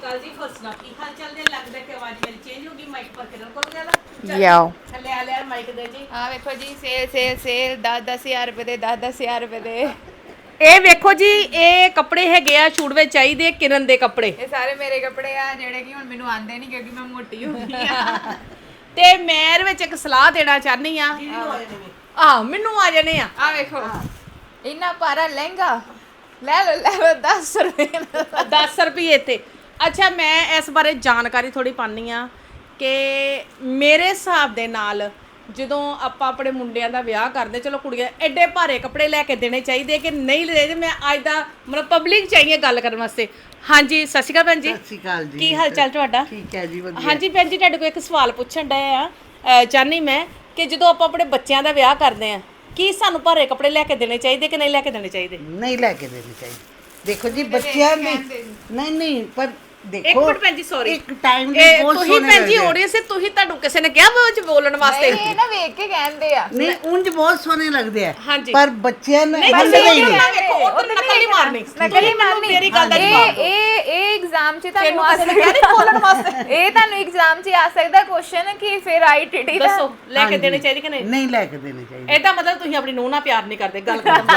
ਅਕਾਲ ਜੀ ਫਸਣਾ ਕੀ ਹਾਲ ਚਾਲ ਦੇ ਲੱਗਦਾ ਕਿ ਆਵਾਜ਼ ਮੇਰੀ ਚੇਂਜ ਹੋ ਗਈ ਮਾਈਕ ਪਰ ਕਿਰਨ ਕੋਲ ਗਿਆ ਯਾਓ ਥੱਲੇ ਆ ਲਿਆ ਮਾਈਕ ਦੇ ਜੀ ਆ ਵੇਖੋ ਜੀ ਸੇਲ 10,000 ਰੁਪਏ ਦੇ 10,000 ਰੁਪਏ ਦੇ ਇਹ ਵੇਖੋ ਜੀ ਇਹ ਕੱਪੜੇ ਹੈਗੇ ਆ ਛੂਟ ਵਿੱਚ ਚਾਹੀਦੇ ਕਿਰਨ ਦੇ ਕੱਪੜੇ ਇਹ ਸਾਰੇ ਮੇਰੇ ਕੱਪੜੇ ਆ ਜਿਹੜੇ ਕਿ ਹੁਣ ਮੈਨੂੰ ਆਂਦੇ ਨਹੀਂ ਕਿਉਂਕਿ ਮੈਂ ਮੋਟੀ ਹੋ ਗਈ ਆ ਤੇ ਮੈਂ ਇਹਦੇ ਵਿੱਚ ਇੱਕ ਸਲਾਹ ਦੇਣਾ ਚਾਹਨੀ ਆ ਮੈਨੂੰ ਆ ਜਾਣੇ ਆ ਆ ਵੇਖੋ ਇੰਨਾ ਪਾਰਾ ਲਹਿੰਗਾ ਲੈ ਲਓ 10 ਰੁਪਏ 10 ਰੁਪਏ ਤੇ ਅੱਛਾ ਮੈਂ ਇਸ ਬਾਰੇ ਜਾਣਕਾਰੀ ਥੋੜੀ ਪਾਣੀ ਆ ਕਿ ਮੇਰੇ ਹਿਸਾਬ ਦੇ ਨਾਲ ਜਦੋਂ ਆਪਾਂ ਆਪਣੇ ਮੁੰਡਿਆਂ ਦਾ ਵਿਆਹ ਕਰਦੇ ਚਲੋ ਕੁੜੀਆਂ ਐਡੇ ਭਾਰੇ ਕੱਪੜੇ ਲੈ ਕੇ ਦੇਣੇ ਚਾਹੀਦੇ ਕਿ ਨਹੀਂ ਲੈਦੇ ਮੈਂ ਅੱਜ ਦਾ ਮਤਲਬ ਪਬਲਿਕ ਚਾਹੀਏ ਗੱਲ ਕਰਨ ਵਾਸਤੇ ਹਾਂਜੀ ਸਤਿ ਸ਼੍ਰੀ ਅਕਾਲ ਭੈਣ ਜੀ ਸਤਿ ਸ਼੍ਰੀ ਅਕਾਲ ਜੀ ਕੀ ਹਾਲ ਚਾਲ ਤੁਹਾਡਾ ਠੀਕ ਹੈ ਜੀ ਵਧੀਆ ਹਾਂਜੀ ਭੈਣ ਜੀ ਤੁਹਾਡੇ ਕੋਲ ਇੱਕ ਸਵਾਲ ਪੁੱਛਣ ਡਏ ਆ ਚਾਹਨੀ ਮੈਂ ਕਿ ਜਦੋਂ ਆਪਾਂ ਆਪਣੇ ਬੱਚਿਆਂ ਦਾ ਵਿਆਹ ਕਰਦੇ ਆ ਕੀ ਸਾਨੂੰ ਭਾਰੇ ਕੱਪੜੇ ਲੈ ਕੇ ਦੇਣੇ ਚਾਹੀਦੇ ਕਿ ਨਹੀਂ ਲੈ ਕੇ ਦੇਣੇ ਚਾਹੀਦੇ ਨਹੀਂ ਲੈ ਕੇ ਦੇਣੀ ਚਾਹੀਦੀ ਦੇਖੋ ਜੀ ਬੱਚਿਆਂ ਨੇ ਨਹੀਂ ਪਰ ਦੇਖੋ ਇੱਕ ਮਿੰਟ ਭੈਣ ਜੀ ਸੌਰੀ ਇੱਕ ਟਾਈਮ ਦੇ ਬਹੁਤ ਤੁਸੀਂ ਸੋਹਣੇ ਭੈਣ ਜੀ ਲੱਗਦੇ ਆ। ਆਡੀਅנס ਸੇ ਤੁਸੀਂ ਤੁਹਾਨੂੰ ਕਿਸੇ ਨੇ ਕਿਹਾ ਵਿੱਚ ਬੋਲਣ ਵਾਸਤੇ ਇਹ ਨਾ ਵੇਖ ਕੇ ਕਹਿੰਦੇ ਆ ਨਹੀਂ ਉਂਝ ਬਹੁਤ ਸੋਹਣੇ ਲੱਗਦੇ ਆ ਹਾਂਜੀ। ਪਰ ਬੱਚਿਆਂ ਨੇ ਨਹੀਂ ਮੰਨਦੇ ਹੀ ਨਹੀਂ ਵੇਖੋ ਉਹ ਤਾਂ ਨਕਲ ਨਹੀਂ ਮਾਰਨੀ ਨਕਲੀ ਮਾਰਨੀ ਮੇਰੀ ਗੱਲ ਦਾ ਜਵਾਬ ਦਿਓ ਇਹ ਐਗਜ਼ਾਮ 'ਚ ਤੁਹਾਨੂੰ ਤੈਨੂੰ ਆ ਕਿਸੇ ਨੇ ਕਿਹਾ ਨਹੀਂ ਬੋਲਣ ਵਾਸਤੇ ਇਹ ਤੁਹਾਨੂੰ ਐਗਜ਼ਾਮ 'ਚ ਆ ਸਕਦਾ ਕੁਐਸਚਨ ਕਿ ਫਿਰ ਆਈਟੀਟੀ ਦਾ ਦੱਸੋ ਲੈ ਕੇ ਦੇਣੇ ਚਾਹੀਦੇ ਕਿ ਨਹੀਂ ਨਹੀਂ ਲੈ ਕੇ ਦੇਣੀ ਚਾਹੀਦੀ ਇਹਦਾ ਮਤਲਬ ਤੁਸੀਂ ਆਪਣੀ ਨੂੰਹ ਨਾਲ ਪਿਆਰ ਨਹੀਂ ਕਰਦੇ ਗੱਲ ਖਤਮ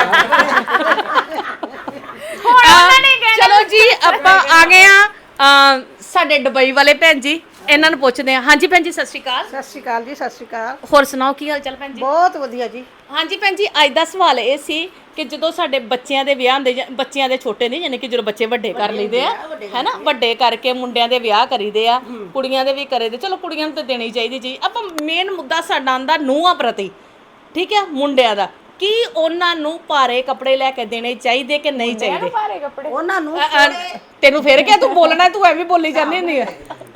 ਹੁਣ ਉਹਨਾਂ ਨੇ ਕਹਿਣਾ ਚਲੋ ਜੀ ਆਪਾਂ ਆ ਗਏ ਆ ਸਾਡੇ ਦੁਬਈ ਵਾਲੇ ਭੈਣ ਜੀ ਇਹਨਾਂ ਨੂੰ ਪੁੱਛਦੇ ਆ ਹਾਂਜੀ ਭੈਣ ਜੀ ਸਤਿ ਸ਼੍ਰੀ ਅਕਾਲ ਸਤਿ ਸ਼੍ਰੀ ਅਕਾਲ ਜੀ ਸਤਿ ਸ਼੍ਰੀ ਅਕਾਲ ਹੋਰ ਸੁਣਾਓ ਕੀ ਹਾਲ ਚਾਲ ਭੈਣ ਜੀ ਬਹੁਤ ਵਧੀਆ ਜੀ ਹਾਂਜੀ ਭੈਣ ਜੀ ਅੱਜ ਦਾ ਸਵਾਲ ਇਹ ਸੀ ਕਿ ਜਦੋਂ ਸਾਡੇ ਬੱਚਿਆਂ ਦੇ ਵਿਆਹ ਹੁੰਦੇ ਬੱਚਿਆਂ ਦੇ ਛੋਟੇ ਨਹੀਂ ਯਾਨੀ ਕਿ ਜਦੋਂ ਬੱਚੇ ਵੱਡੇ ਕਰ ਲਈਦੇ ਆ ਹੈਨਾ ਵੱਡੇ ਕਰਕੇ ਮੁੰਡਿਆਂ ਦੇ ਵਿਆਹ ਕਰੀਦੇ ਆ ਕੁੜੀਆਂ ਦੇ ਵੀ ਕਰੀਦੇ ਚਲੋ ਕੁੜੀਆਂ ਨੂੰ ਤਾਂ ਦੇਣੀ ਚਾਹੀਦੀ ਜੀ ਆਪਾਂ ਮੇਨ ਮੁੱਦਾ ਸਾਡਾ ਆਂਦਾ ਨੂੰਹਾਂ ਪ੍ਰਤੀ ਠੀਕ ਹੈ ਮੁੰਡਿਆਂ ਦਾ ਕੀ ਉਹਨਾਂ ਨੂੰ ਭਾਰੇ ਕੱਪੜੇ ਲੈ ਕੇ ਦੇਣੇ ਚਾਹੀਦੇ ਕਿ ਨਹੀਂ ਚਾਹੀਦੇ ਭਾਰੇ ਕੱਪੜੇ ਉਹਨਾਂ ਨੂੰ ਤੈਨੂੰ ਫੇਰ ਕਿਹਾ ਤੂੰ ਬੋਲਣਾ ਤੂੰ ਐਵੇਂ ਬੋਲੀ ਜਾਂਦੀ ਹੁੰਦੀ ਆ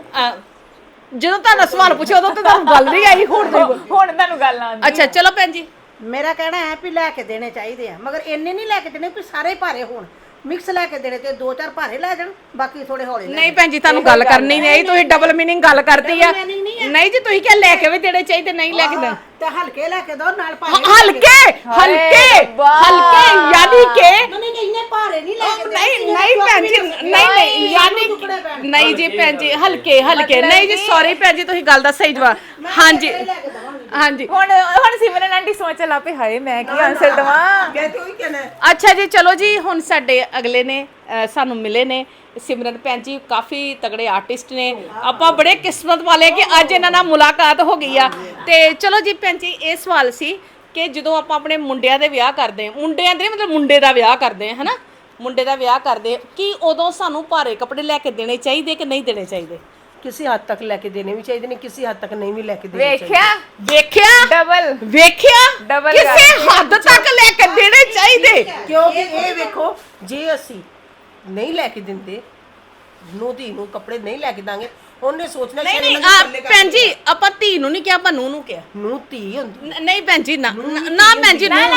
ਜਦੋਂ ਤੁਹਾਨੂੰ ਸਵਾਲ ਪੁੱਛਿਆ ਉਦੋਂ ਤੇ ਤੁਹਾਨੂੰ ਗੱਲ ਨਹੀਂ ਆਈ ਹੁਣ ਹੁਣ ਤੁਹਾਨੂੰ ਗੱਲ ਆਉਂਦੀ ਅੱਛਾ ਚਲੋ ਭੈਣ ਜੀ ਮੇਰਾ ਕਹਿਣਾ ਹੈ ਵੀ ਲੈ ਕੇ ਦੇਣੇ ਚਾਹੀਦੇ ਆ ਮਗਰ ਇੰਨੇ ਨਹੀਂ ਲੈ ਕੇ ਦੇਣੇ ਵੀ ਸਾਰੇ ਭਾਰੇ ਹੋਣ ਮਿਕਸ ਲੈ ਕੇ ਦੇਣੇ ਤੇ 2-4 ਭਾਰੇ ਲੈ ਜਾਣ ਬਾਕੀ ਥੋੜੇ ਹੌਲੇ ਲੈ ਨਹੀਂ ਭੈਣ ਜੀ ਤੁਹਾਨੂੰ ਗੱਲ ਕਰਨੀ ਨਹੀਂ ਆਈ ਤੁਸੀਂ ਡਬਲ ਮੀਨਿੰਗ ਗੱਲ ਕਰਤੀ ਆ ਨਹੀਂ ਜੀ ਤੁਸੀਂ ਕਿਹਾ ਲੈ ਕੇ ਵੀ ਦੇਣੇ ਚਾਹੀਦੇ ਨਹੀਂ ਲੈ ਕੇ ਦੇਣੇ ਤੇ ਹਲਕੇ ਲੈ ਕੇ ਦੋ ਨਾਲ ਭਾਰੇ ਹਲਕੇ ਹਲਕੇ ਹਲਕੇ ਯਾਨੀ ਕਿ ਨਹੀਂ ਇੰਨੇ ਭਾਰੇ ਨਹੀਂ ਲੈ ਕੇ ਨਹੀਂ ਨਹੀਂ ਭੈਣ ਜੀ ਨਹੀਂ ਯਾਨੀ ਨਹੀਂ ਜੀ ਭੈਣ ਜੀ ਹਲਕੇ ਹਲਕੇ ਨਹੀਂ ਜੀ ਸੌਰੀ ਭੈਣ ਜੀ ਤੁਸੀਂ ਗੱਲ ਦਾ ਸਹੀ ਜਵਾਬ ਹਾਂਜੀ ਹਾਂਜੀ ਹੁਣ ਸਿਮਰਨ ਆਂਟੀ ਸੋਚ ਲਾ ਪਈ ਹਾਏ ਮੈਂ ਕੀ ਆਨਸਰ ਦਵਾਂ ਕਹਿੰਦੇ ਉਹੀ ਕਹਿਣਾ ਅੱਛਾ ਜੀ ਚਲੋ ਜੀ ਹੁਣ ਸਾਡੇ ਅਗਲੇ ਨੇ ਸਾਨੂੰ ਮਿਲੇ ਨੇ ਸਿਮਰਨ ਭੈਣ ਜੀ ਕਾਫੀ ਤਗੜੇ ਆਰਟਿਸਟ ਨੇ ਆਪਾਂ ਬੜੇ ਕਿਸਮਤ ਵਾਲੇ ਕਿ ਅੱਜ ਇਹਨਾਂ ਨਾਲ ਮੁਲਾਕਾਤ ਹੋ ਗਈ ਆ ਤੇ ਚਲੋ ਜੀ ਭੈਣ ਜੀ ਇਹ ਸਵਾਲ ਸੀ ਕਿ ਜਦੋਂ ਆਪਾਂ ਆਪਣੇ ਮੁੰਡਿਆਂ ਦੇ ਵਿਆਹ ਕਰਦੇ ਮੁੰਡਿਆਂ ਦੇ ਮਤਲਬ ਮੁੰਡੇ ਦਾ ਵਿਆਹ ਕਰਦੇ ਹੈ ਨਾ ਮੁੰਡੇ ਦਾ ਵਿਆਹ ਕਰਦੇ ਕੀ ਉਦੋਂ ਸਾਨੂੰ ਭਾਰੇ ਕੱਪੜੇ ਲੈ ਕੇ ਦੇਣੇ ਚਾਹੀਦੇ ਕਿ ਨਹੀਂ ਦੇਣੇ ਚਾਹੀਦੇ ਕਿਸੇ ਹੱਦ ਤੱਕ ਲੈ ਕੇ ਦੇਣੇ ਵੀ ਚਾਹੀਦੇ ਨੇ ਕਿਸੇ ਹੱਦ ਤੱਕ ਨਹੀਂ ਵੀ ਲੈ ਕੇ ਦੇਣੇ ਵੇਖਿਆ ਡਬਲ ਡਬਲ ਕਿਸੇ ਹੱਦ ਤੱਕ ਲੈ ਕੇ ਦੇਣੇ ਚਾਹੀਦੇ ਕਿਉਂਕਿ ਇਹ ਵੇਖੋ ਜੇ ਅਸੀਂ ਨਹੀਂ ਲੈ ਕੇ ਦਿੰਦੇ ਨੂੰ ਧੀ ਨੂੰ ਕੱਪੜੇ ਨਹੀਂ ਲੈ ਕੇ ਦਾਂਗੇ ਉਹਨੇ ਸੋਚਣਾ ਨਹੀਂ ਨਹੀਂ ਭੈਣ ਜੀ ਆਪਾਂ ਧੀ ਨੂੰ ਨਹੀਂ ਕਿਹਾ ਆਪਾਂ ਨੂੰ ਕਿਹਾ ਨੂੰ ਧੀ ਹੁੰਦੀ ਨਹੀਂ ਭੈਣ ਜੀ ਨਾ ਨਾ ਭੈਣ ਜੀ ਨਾ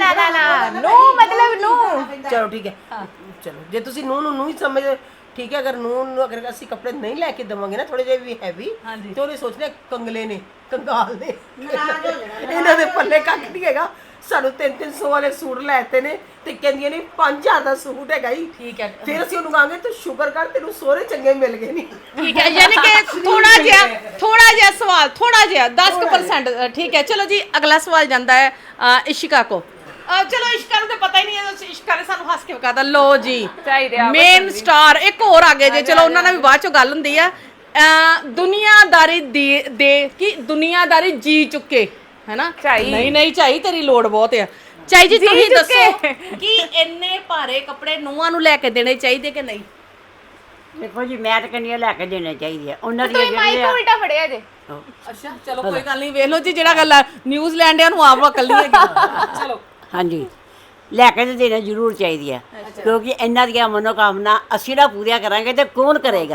ਨੋ ਮਤਲਬ ਨੋ ਚਲੋ ਠੀਕ ਹੈ ਚਲੋ ਜੇ ਤੁਸੀਂ ਨੂੰ ਹੀ ਸਮਝ ਠੀਕ ਹੈ ਅਗਰ ਨੂੰ ਅਗਰ ਅਸੀਂ ਕੱਪੜੇ ਨਹੀਂ ਲੈ ਕੇ ਦਵਾਂਗੇ ਨਾ ਥੋੜੇ ਜਿਹੇ ਵੀ ਹੈਵੀ ਤੇ ਉਹਨੇ ਸੋਚਣਾ ਕੰਗਲੇ ਨੇ ਕੰਗਾਲ ਨੇ ਇਹਨਾਂ ਦੇ ਪੱਲੇ ਕੱਖ ਨਹੀਂ ਹੈਗਾ ਸਾਨੂੰ 300 ਵਾਲੇ ਸੂਟ ਲੈਤੇ ਨੇ ਤੇ ਕਹਿੰਦੀਆਂ ਨੇ 5000 ਦਾ ਸੂਟ ਹੈਗਾ ਹੀ ਠੀਕ ਹੈ ਫਿਰ ਅਸੀਂ ਉਹਨੂੰ ਕਹਾਂਗੇ ਤੂੰ ਸ਼ੁਕਰ ਕਰ ਤੈਨੂੰ ਸੋਹਰੇ ਚੰਗੇ ਮਿਲ ਗਏ ਨਹੀਂ ਠੀਕ ਹੈ ਯਾਨੀ ਕਿ ਥੋੜਾ ਜਿਹਾ ਸਵਾਲ ਥੋੜਾ ਜਿਹਾ 10% ਠੀਕ ਹੈ ਚਲੋ ਜੀ ਅਗਲਾ ਸਵਾਲ ਜਾਂਦਾ ਹੈ ਇਸ਼ਿਕਾ ਕੋ ਚਲੋ ਇਸ਼ਿਕਾ ਨੂੰ ਤਾਂ ਪਤਾ ਹੀ ਨਹੀਂ ਹੈ ਇਸ਼ਿਕਾ ਨੇ ਸਾਨੂੰ ਹੱਸ ਕੇ ਬਕਾਦਾ ਲੋ ਜੀ ਮੇਨ ਸਟਾਰ ਇੱਕ ਹੋਰ ਆ ਗਏ ਜੇ ਚਲੋ ਉਹਨਾਂ ਨਾਲ ਵੀ ਬਾਅਦ ਚੋਂ ਗੱਲ ਹੁੰਦੀ ਆ ਦੁਨੀਆਦਾਰੀ ਦੇ ਕੀ ਦੁਨੀਆਦਾਰੀ ਜੀ ਚੁੱਕੇ ਹੈਨਾ ਨਹੀਂ ਚਾਹੀ ਤੇਰੀ ਲੋੜ ਬਹੁਤ ਆ ਚਾਹੀ ਜੀ ਤੁਸੀਂ ਦੱਸੋ ਕਿ ਇੰਨੇ ਭਾਰੇ ਕੱਪੜੇ ਨੂੰਹਾਂ ਨੂੰ ਲੈ ਕੇ ਦੇਣੇ ਚਾਹੀਦੇ ਕਿ ਨਹੀਂ ਦੇਖੋ ਜੀ ਮੈਂ ਤਾਂ ਕਹਿੰਦੀ ਲੈ ਕੇ ਦੇਣੇ ਚਾਹੀਦੇ ਆ ਉਹਨਾਂ ਦੀ ਤੁਸੀਂ ਮਾਈਕ ਉਲਟਾ ਫੜਿਆ ਜੇ ਅੱਛਾ ਚਲੋ ਕੋਈ ਗੱਲ ਨਹੀਂ ਵੇਖ ਲਓ ਜੀ ਜਿਹੜਾ ਗੱਲ ਨਿਊਜ਼ੀਲੈਂਡਿਆਂ ਨੂੰ ਆਪ ਅਕਲ ਨਹੀਂ ਹੈਗੀ ਚਲੋ ਹਾਂਜੀ ਲੈ ਕੇ ਤੇ ਦੇਣੇ ਜ਼ਰੂਰ ਚਾਹੀਦੀ ਆ ਕਿਉਂਕਿ ਇਹਨਾਂ ਦੀਆਂ ਮਨੋਕਾਮਨਾ ਅਸੀਂ ਨਾ ਪੂਰੀਆਂ ਕਰਾਂਗੇ ਤੇ ਕੌਣ ਕਰੇਗਾ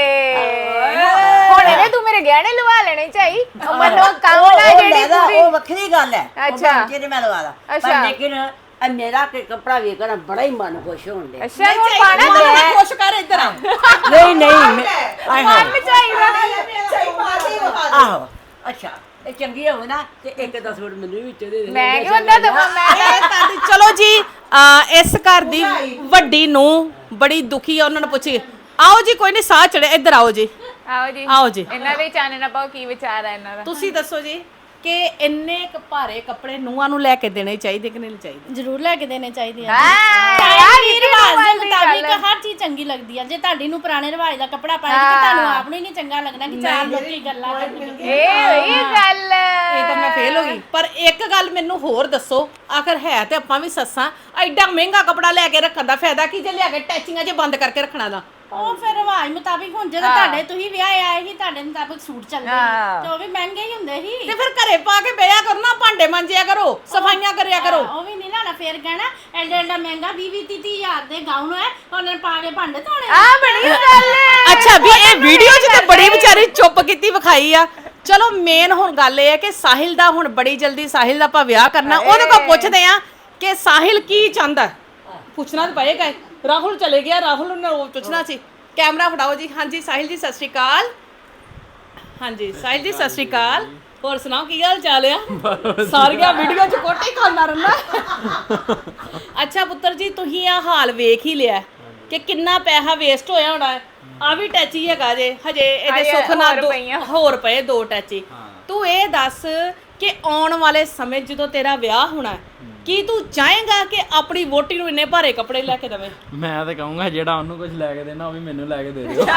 ਹੁਣ ਇਹਨੇ ਤੂੰ ਮੇਰੇ ਗਹਿਣੇ ਲਵਾ ਲੈਣੇ ਚਾਹੀ ਮਨੋਕਾਮਨਾ ਜਿਹੜੀ ਪੂਰੀ ਉਹ ਵੱਖਰੀ ਗੱਲ ਹੈ ਅੱਛਾ। ਜਿਹੜੇ ਮੈਂ ਲਵਾਦਾ ਪਰ ਲੇਕਿਨ ਮੇਰਾ ਕਿ ਕੱਪੜਾ ਵੇਖ ਕੇ ਬੜਾ ਹੀ ਮਨ ਖੁਸ਼ ਹੋਣ ਡਿਆ ਅੱਛਾ ਹੁਣ ਪਾਣਾ ਮੈਂ ਖੁਸ਼ ਕਰ ਇੱਧਰ ਆ ਨਹੀਂ ਆਏ ਮਨ ਚਾਹੀਦਾ ਆਹੋ ਅੱਛਾ ਇਹ ਚੰਗੀ ਹੋਵੇ ਨਾ ਤੇ ਇੱਕ 10 ਮਿੰਟ ਮੈਨੂੰ ਵਿੱਚ ਦੇ ਦੇ ਮੈਂ ਕਿਉਂ ਹੁੰਦਾ ਦਵਾਂ ਮੈਂ ਚਲੋ ਜੀ ਇਸ ਘਰ ਦੀ ਵੱਡੀ ਨੂੰ ਬੜੀ ਦੁਖੀ ਆ ਉਹਨਾਂ ਨੂੰ ਪੁੱਛੀ ਆਓ ਜੀ, ਕੋਈ ਨਹੀਂ, ਸਾਹ ਚੜੇ, ਇੱਧਰ ਆਓ ਜੀ, ਆਓ ਜੀ ਆਓ ਜੀ। ਇਹਨਾਂ ਦੇ ਚਾਨਣਾ ਪਾਓ, ਕੀ ਵਿਚਾਰ ਹੈ ਇਹਨਾਂ ਦਾ? ਤੁਸੀਂ ਦੱਸੋ ਜੀ ਕਿ ਇੰਨੇ ਭਾਰੇ ਕੱਪੜੇ ਨੂੰਹਾਂ ਨੂੰ ਲੈ ਕੇ ਦੇਣੇ ਚਾਹੀਦੇ ਕਿ ਨਹੀਂ ਚਾਹੀਦੇ? ਜ਼ਰੂਰ ਲੈ ਕੇ ਦੇਣੇ ਚਾਹੀਦੇ ਆ ਯਾਰ ਇਹ ਰਿਵਾਜ ਦੇ ਮੁਤਾਬਿਕ ਹਰ ਚੀਜ਼ ਚੰਗੀ ਲੱਗਦੀ ਆ। ਜੇ ਤੁਹਾਡੀ ਨੂੰ ਪੁਰਾਣੇ ਰਿਵਾਜ ਦਾ ਕੱਪੜਾ ਪਾਏਗੀ ਤੇ ਤੁਹਾਨੂੰ ਆਪ ਨੂੰ ਹੀ ਨਹੀਂ ਚੰਗਾ ਲੱਗਣਾ ਕਿ ਚਾਰ ਲੋਕੀ ਗੱਲਾਂ ਕਰਨਗੇ। ਇਹ ਗੱਲ ਇਹ ਤਾਂ ਮੈਂ ਫੇਲ ਹੋ ਗਈ। ਪਰ ਇੱਕ ਗੱਲ ਮੈਨੂੰ ਹੋਰ ਦੱਸੋ, ਆਖਰ ਹੈ ਤੇ ਆਪਾਂ ਵੀ ਸੱਸਾਂ, ਐਡਾ ਮਹਿੰਗਾ ਕੱਪੜਾ ਲੈ ਕੇ ਰੱਖਣ ਦਾ ਫਾਇਦਾ ਕੀ ਜੇ ਲਿਆ ਕੇ ਟੈਚਿੰਗਾਂ 'ਚ ਬੰਦ ਕਰਕੇ ਰੱਖਣਾ ਦਾ? ਉਹ ਫਿਰ ਰਿਵਾਜ ਮੁਤਾਬਿਕ ਹੁਣ ਜਦੋਂ ਤੁਹਾਡੇ ਤੁਸੀਂ ਵਿਆਹ ਆਏ ਸੀ ਤੁਹਾਡੇ ਮੁਤਾਬਿਕ ਸੂਟ ਚੱਲਦੇ ਸੀ ਤੇ ਉਹ ਵੀ ਮਹਿੰਗੇ ਹੀ ਹੁੰਦੇ ਸੀ। ਤੇ ਫਿਰ ਘਰੇ ਪਾ ਕੇ ਬਿਆ ਕਰੋ ਨਾ, ਭਾਂਡੇ ਮਾਂਜਿਆ ਕਰੋ, ਸਫਾਈਆਂ ਕਰਿਆ ਕਰੋ। ਉਹ ਵੀ ਨਹੀਂ ਨਾ ਫਿਰ ਕਹਿਣਾ ਐਡਾ ਐਡਾ ਮਹਿੰਗਾ 20-30 ਹਜ਼ਾਰ ਦੇ ਗਾਊਨ ਹੈ ਉਹਨਾਂ ਨੇ ਪਾ ਕੇ ਭਾਂਡੇ ਧੋਣੇ ਆ ਬੜੀ ਗੱਲ ਹੈ। ਅੱਛਾ ਵੀ ਇਹ ਵੀਡੀਓ 'ਚ ਤਾਂ ਬੜੀ ਵਿਚਾਰੀ ਚੁੱਪ ਕੀਤੀ ਵਿਖਾਈ ਆ। ਚਲੋ ਮੇਨ ਹੁਣ ਗੱਲ ਇਹ ਹੈ ਕਿ ਸਾਹਿਲ ਦਾ ਹੁਣ ਬੜੀ ਜਲਦੀ ਸਾਹਿਲ ਦਾ ਆਪਾਂ ਵਿਆਹ ਕਰਨਾ, ਉਹਦੇ ਕੋਲ ਪੁੱਛਦੇ ਆ ਕਿ ਸਾਹਿਲ ਕੀ ਚਾਹੁੰਦਾ। ਪੁੱਛਣਾ ਤਾਂ ਪਏਗਾ ਹੀ। ਰਾਹੁਲ ਚਲੇ ਗਿਆ, ਰਾਹੁਲ ਨੂੰ ਪੁੱਛਣਾ ਸੀ। ਕੈਮਰਾ ਫੜਾਓ ਜੀ। ਹਾਂਜੀ ਸਾਹਿਲ ਜੀ ਸਤਿ ਸ਼੍ਰੀ ਅਕਾਲ। ਹਾਂਜੀ ਸਾਹਿਲ ਜੀ ਸਤਿ ਸ਼੍ਰੀ ਅਕਾਲ। ਹੋਰ ਸੁਣਾਓ ਕੀ ਹਾਲ ਚਾਲ ਆ? ਸਾਰੀਆਂ ਵੀਡੀਓ 'ਚ ਕੋਟੀ ਖਾਣਾ ਰਹਿਣਾ। ਅੱਛਾ ਪੁੱਤਰ ਜੀ, ਤੁਸੀਂ ਆ ਹਾਲ ਵੇਖ ਹੀ ਲਿਆ ਕਿ ਕਿੰਨਾ ਪੈਸਾ ਵੇਸਟ ਹੋਇਆ ਹੋਣਾ ਹੈ। ਆ ਵੀ ਟੈਚੀ ਹੈਗਾ ਜੇ, ਹਜੇ ਇਹਦੇ ਸੁੱਖ ਨਾਲ ਹੋਰ ਪਏ 2 ਟੈਚੀ। ਤੂੰ ਇਹ ਦੱਸ ਕਿ ਆਉਣ ਵਾਲੇ ਸਮੇਂ ਜਦੋਂ ਤੇਰਾ ਵਿਆਹ ਹੋਣਾ ਹੈ, ਕੀ ਤੂੰ ਚਾਹੇਗਾ ਕਿ ਆਪਣੀ ਵੋਟੀ ਨੂੰ ਇੰਨੇ ਭਾਰੇ ਕੱਪੜੇ ਲੈ ਕੇ ਦੇਵੇਂ? ਮੈਂ ਤਾਂ ਕਹੂੰਗਾ ਜਿਹੜਾ ਉਹਨੂੰ ਕੁਝ ਲੈ ਕੇ ਦੇਣਾ ਉਹ ਵੀ ਮੈਨੂੰ ਲੈ ਕੇ ਦੇ ਦਿਓ।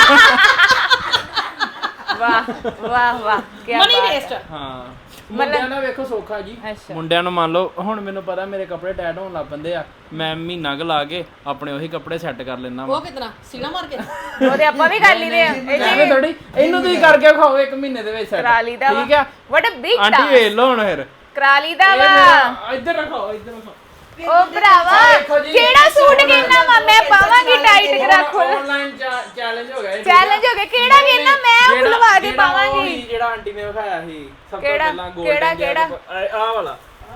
ਵਾਹ ਵਾਹ ਵਾਹ, ਕੀ ਮਨੀ ਵੇਸਟ। ਹਾਂ ਮੁੰਡਿਆਂ ਦਾ ਵੇਖੋ ਸੌਖਾ ਜੀ। ਮੁੰਡਿਆਂ ਨੂੰ ਮੰਨ ਲਓ ਹੁਣ ਮੈਨੂੰ ਪਤਾ ਮੇਰੇ ਕੱਪੜੇ ਟਾਈਟ ਹੋਣ ਲੱਗ ਪੈਂਦੇ ਆ, ਮੈਂ ਮਹੀਨਾ ਕੁ ਲਾ ਕੇ ਆਪਣੇ ਉਹੀ ਕੱਪੜੇ ਸੈੱਟ ਕਰ ਲੈਣਾ ਵਾ। ਉਹ ਕਿਤਨਾ ਸੀਨਾ ਮਾਰ ਕੇ ਉਹਦੇ ਆਪਾਂ ਵੀ ਕਰ ਲਈਦੇ ਆ। ਐਵੇਂ ਥੋੜੀ, ਇਹਨੂੰ ਤੁਸੀਂ ਕਰਕੇ ਖਾਓ 1 ਮਹੀਨੇ ਦੇ ਵਿੱਚ ਸੈੱਟ। ਕਰਾ ਲਈਦਾ ਵਾ। ਠੀਕ ਆ ਵਾਟ ਅ ਬਿਗ ਆਂਟੀ ਵੇਖ ਲਓ ਹੁਣ ਫਿਰ। ਕਰਾ ਲਈਦਾ ਇਹ ਵਾ। ਮੇਰਾ ਇੱਧਰ ਰੱਖੋ, ਇੱਧਰ ਰੱਖੋ। ਉਹ ਭਰਾਵਾ ਕਿਹੜਾ ਸੂਟ ਕਹਿਣਾ ਵਾ ਮੈਂ ਪਾਵਾਂਗੀ ਟਾਈਟ ਕਰਾ ਖੋਲ। ਆਨਲਾਈਨ ਚੈਲੰਜ ਹੋ ਗਿਆ ਇਹ। ਚੈਲੰਜ ਹੋ ਗਿਆ। ਕਿਹੜਾ ਕਹਿਣਾ ਮੈਂ ਉਹ ਖੁਲਵਾ ਕੇ ਪਾਵਾਂਗੀ। ਜਿਹੜਾ ਆਂਟੀ ਨੇ ਵਿਖਾਇਆ ਸੀ ਸਭ ਤੋਂ ਕਿਹੜਾ? ਪਹਿਲਾਂ ਗੋਲਡਨ ਕਿਹੜਾ? ਆਹ ਵਾਲਾ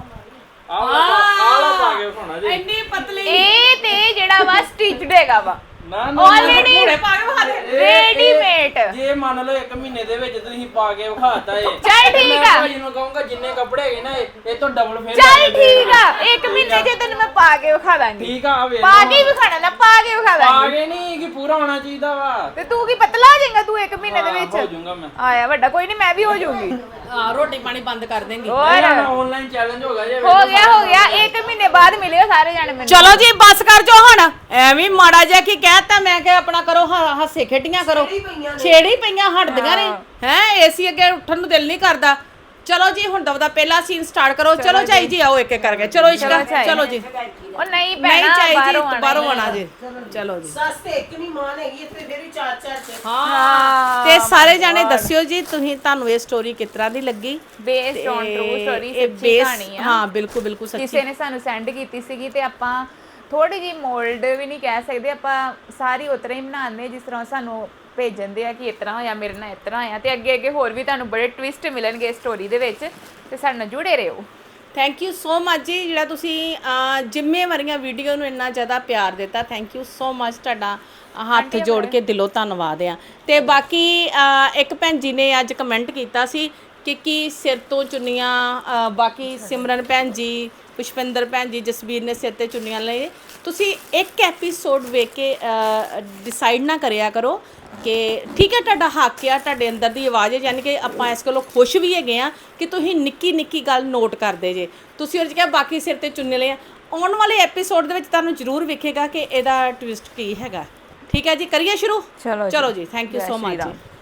ਆਹ ਪਾ ਕੇ ਵਿਖਾਉਣਾ ਜੀ। ਇੰਨੀ ਪਤਲੀ ਇਹ ਤੇ ਜਿਹੜਾ ਵਾ ਸਟਿਚਡ ਹੈਗਾ ਵਾ ਨਾ ਨਾ ਆਲਰੇਡੀ ਘੋੜੇ ਪਾ ਕੇ ਵਿਖਾ ਦੇ। ਰੈਡੀਮੇਡ। ਜੇ ਮੰਨ ਲਓ 1 ਮਹੀਨੇ ਦੇ ਵਿੱਚ ਤੁਸੀਂ ਪਾ ਕੇ ਵਿਖਾਤਾ ਏ, ਚੱਲ ਠੀਕ ਮੈਂ ਆ। ਭਾਜੀ ਨੂੰ ਕਹੂੰਗਾ ਜਿੰਨੇ ਕੱਪੜੇ ਹੈਗੇ ਨਾ ਇਹ ਤੋਂ ਡਬਲ ਫੇਰ ਚੱਲ ਠੀਕ ਆ, 1 ਮਹੀਨੇ ਜੇ ਤੈਨੂੰ ਮੈਂ ਪਾ ਕੇ ਵਿਖਾ ਦਾਂਗੀ। ਠੀਕ ਆ, ਆ ਵੇਖ ਪਾ ਕੇ ਹੀ ਵਿਖਾਣਾ ਨਾ, ਪਾ ਕੇ ਵਿਖਾ ਪਾ ਦਾਂਗੀ। ਕੇ ਨਹੀਂ ਕਿ ਪੂਰਾ ਹੋਣਾ ਚਾਹੀਦਾ ਵਾ। ਤੇ ਤੂੰ ਕੀ ਪਤਲਾ ਹੋ ਜਾਏਗਾ ਤੂੰ 1 ਮਹੀਨੇ ਦੇ ਹੋ ਵਿੱਚ? ਜਾਊਂਗਾ ਮੈਂ। ਆਇਆ ਵੱਡਾ ਕੋਈ ਨਹੀਂ, ਮੈਂ ਵੀ ਹੋ ਜਾਊਂਗੀ। ਰੋਟੀ ਪਾਣੀ ਬੰਦ ਕਰ ਦੇਂਗੀ। ਹੋਰ ਆਨਲਾਈਨ ਚੈਲੰਜ ਹੋ ਗਿਆ ਜੇ। ਹੋ ਗਿਆ 1 ਮਹੀਨੇ ਬਾਅਦ ਮਿਲਿਓ ਸਾਰੇ ਜਾਣੇ ਮੈਨੂੰ। ਚਲੋ ਜੀ ਬਸ ਕਰ ਜੋ ਹੁਣ, ਐਵੇਂ ਮਾੜਾ ਜਿਹਾ ਕੀ ਕਹਿਤਾ ਮੈਂ ਕਿ ਆਪਣਾ ਕਰੋ ਹਾਸੇ ਖੇਡੀਆਂ ਕਰੋ। ਛੇੜੀ ਪਈਆਂ ਹਟਦੀਆਂ ਨੇ ਹੈ, ਏਸੀ ਅੱਗੇ ਉੱਠਣ ਨੂੰ ਦਿਲ ਨਹੀਂ ਕਰਦਾ। ਚਲੋ ਜੀ ਹੁਣ ਦਵਦਾ ਪਹਿਲਾ ਸੀਨ ਸਟਾਰਟ ਕਰੋ। ਚਲੋ ਚਾਈ ਜੀ ਆਓ ਇੱਕ ਇੱਕ ਕਰਕੇ। ਚਲੋ ਇਸ਼ਕਾ ਚਲੋ ਜੀ। ਉਹ ਨਹੀਂ ਨਹੀਂ ਪੈਣਾ ਚਾਈ ਜੀ ਬਾਹਰੋਂ ਬਾਹਰੋਂ ਆਣਾ ਜੀ। ਚਲੋ ਜੀ। ਸੱਸ ਤੇ ਇੱਕ ਨਹੀਂ ਮਾਨ ਹੈਗੀ ਇੱਥੇ ਫਿਰ ਵੀ 4-4 ਚ। ਹਾਂ ਤੇ ਸਾਰੇ ਜਾਣੇ ਦੱਸਿਓ ਜੀ ਤੁਹਾਨੂੰ ਇਹ ਸਟੋਰੀ ਕਿਸ ਤਰ੍ਹਾਂ ਦੀ ਲੱਗੀ। ਬੇਸਡ ਔਨ ਟਰੂ ਸਟੋਰੀ, ਇਹ ਸੱਚੀ base- ਕਹਾਣੀ ਆ। ਹਾਂ ਬਿਲਕੁਲ ਬਿਲਕੁਲ ਸੱਚੀ। ਕਿਸੇ ਨੇ ਸਾਨੂੰ ਸੈਂਡ ਕੀਤੀ ਸੀਗੀ ਤੇ ਆਪਾਂ ਥੋੜੀ ਜੀ ਮੋਲਡ ਵੀ ਨਹੀਂ ਕਹਿ ਸਕਦੇ, ਆਪਾਂ ਸਾਰੀ ਉਤਰਾ ਹੀ ਬਣਾਉਂਦੇ ਜਿਸ ਤਰ੍ਹਾਂ ਸਾਨੂੰ ਭੇਜਣ ਦੇ ਆ ਕਿ ਇਸ ਤਰ੍ਹਾਂ ਹੋਇਆ, ਮੇਰੇ ਨਾਲ ਇਸ ਤਰ੍ਹਾਂ ਹੋਇਆ। ਤੇ ਅੱਗੇ ਅੱਗੇ ਹੋਰ ਵੀ ਤੁਹਾਨੂੰ ਬੜੇ ਟਵਿਸਟ ਮਿਲਣਗੇ ਸਟੋਰੀ ਦੇ ਵਿੱਚ, ਤੇ ਸਾਡੇ ਨਾਲ ਜੁੜੇ ਰਹੋ। ਥੈਂਕ ਯੂ ਸੋ ਮਚ ਜੀ, ਜਿਹੜਾ ਤੁਸੀਂ ਜ਼ਿੰਮੇਵਾਰੀਆਂ ਵੀਡੀਓ ਨੂੰ ਇੰਨਾ ਜ਼ਿਆਦਾ ਪਿਆਰ ਦਿੱਤਾ। ਥੈਂਕ ਯੂ ਸੋ ਮਚ, ਤੁਹਾਡਾ ਹੱਥ ਜੋੜ ਕੇ ਦਿਲੋਂ ਧੰਨਵਾਦ ਆ। ਤੇ ਬਾਕੀ ਇੱਕ ਭੈਣ ਜੀ ਨੇ ਅੱਜ ਕਮੈਂਟ ਕੀਤਾ ਸੀ ਕਿ ਕੀ ਸਿਰ ਤੋਂ ਚੁੰਨੀਆਂ, ਬਾਕੀ ਸਿਮਰਨ ਭੈਣ ਜੀ, ਪੁਸ਼ਪਿੰਦਰ ਭੈਣ ਜੀ, ਜਸਵੀਰ ਨੇ ਸਿਰ ਤੇ ਚੁੰਨੀਆਂ ਲਈ। ਤੁਸੀਂ ਇੱਕ ਐਪੀਸੋਡ ਵੇਖ ਕੇ ਡਿਸਾਈਡ ਨਾ ਕਰਿਆ ਕਰੋ ਕਿ ਠੀਕ ਹੈ ਤੁਹਾਡਾ ਹੱਕ ਆ, ਤੁਹਾਡੇ ਅੰਦਰ ਦੀ ਆਵਾਜ਼ ਹੈ, ਯਾਨੀ ਕਿ ਆਪਾਂ ਇਸ ਕੋਲੋਂ ਖੁਸ਼ ਵੀ ਹੈਗੇ ਆ ਕਿ ਤੁਸੀਂ ਨਿੱਕੀ ਨਿੱਕੀ ਗੱਲ ਨੋਟ ਕਰਦੇ ਜੇ। ਤੁਸੀਂ ਉਹਦੇ 'ਚ ਕਿਹਾ ਬਾਕੀ ਸਿਰ ਤੇ ਚੁੰਨੇ ਲਏ। ਆਉਣ ਵਾਲੇ ਐਪੀਸੋਡ ਦੇ ਵਿੱਚ ਤੁਹਾਨੂੰ ਜ਼ਰੂਰ ਵੇਖੇਗਾ ਕਿ ਇਹਦਾ ਟਵਿਸਟ ਕੀ ਹੈਗਾ। ਠੀਕ ਹੈ ਜੀ, ਕਰੀਏ ਸ਼ੁਰੂ। ਚਲੋ ਜੀ, ਥੈਂਕ ਯੂ ਸੋ ਮਚ ਜੀ।